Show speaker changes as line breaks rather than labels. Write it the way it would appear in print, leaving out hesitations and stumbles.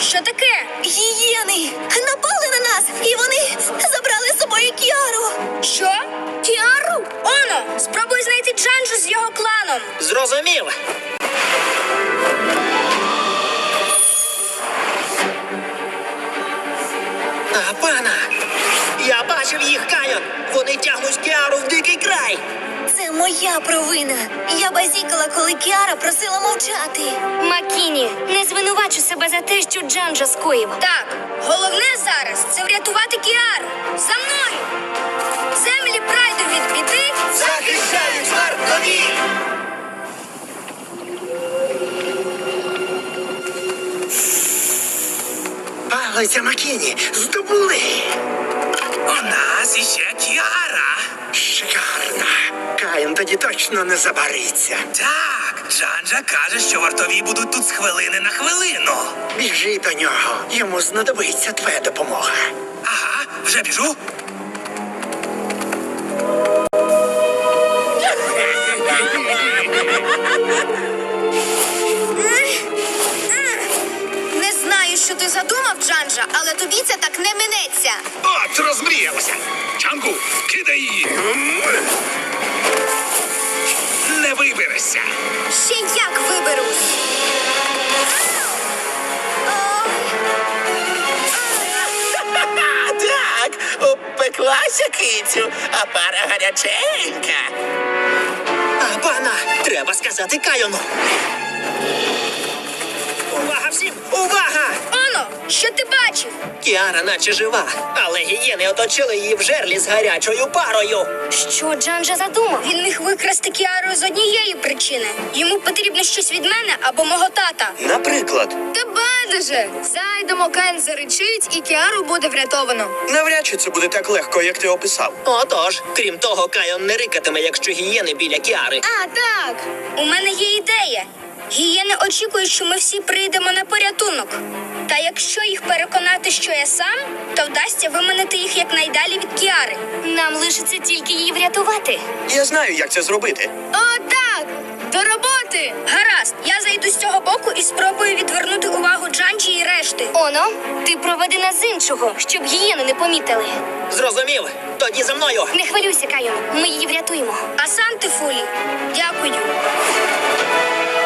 Що таке?
Гієни напали на нас, і вони забрали з собою Кіару.
Що? Кіару? Оно, спробуй знайти Джанджу з його кланом.
Зрозумів. Пана! Я бачив їх, Кайон! Вони тягнуть Кіару в дикий край!
Це моя провина. Я базікала, коли Кіара просила мовчати.
Макіні, не звинувачу себе за те, що Джанджа скоїв.
Так, головне зараз це врятувати Кіару. За мною! Землі прайду від біди.
Захищають вартові!
Палиця Макіні, здобули!
У нас іще Кіара.
Шикарно! Каїн тоді точно не забариться.
Так, Джанджа каже, що вартові будуть тут з хвилини на хвилину.
Біжи до нього, йому знадобиться твоя допомога.
Ага, вже біжу.
Не знаю, що ти задумав, Джанджа, але тобі це так не минеться.
От, розмріялася. Чангу, кидай її. Не виберешся.
Ще як виберусь.
Так, упеклася кицю, а пара гаряченька.
Пана! Треба сказати Кайону! Увага всім! Увага!
Оно, що ти бачив?
Кіара наче жива, але гієни оточили її в жерлі з гарячою парою.
Що Джанджа задумав?
Він міг викрасти Кіару з однієї причини. Йому потрібно щось від мене або мого тата.
Наприклад,
Та байдуже! Зайдемо, Кен заричить, і Кіару буде врятовано.
Навряд чи це буде так легко, як ти описав.
отож, крім того, Кайон не рикатиме, якщо гієни біля Кіари.
А, так! У мене є ідея. Гієни очікують, що ми всі прийдемо на порятунок. Та якщо їх переконати, що я сам, то вдасться виманити їх якнайдалі від Кіари.
Нам лишиться тільки її врятувати.
Я знаю, як це зробити.
О, так! До роботи! Гаразд, я зайду з цього боку і спробую відвернути увагу Джанджі і решти.
Оно, ти проведи нас з іншого, щоб гієни не помітили.
Зрозумів? Тоді за мною.
Не хвилюйся, Кайон, ми її врятуємо.
Асанте Фулі, дякую.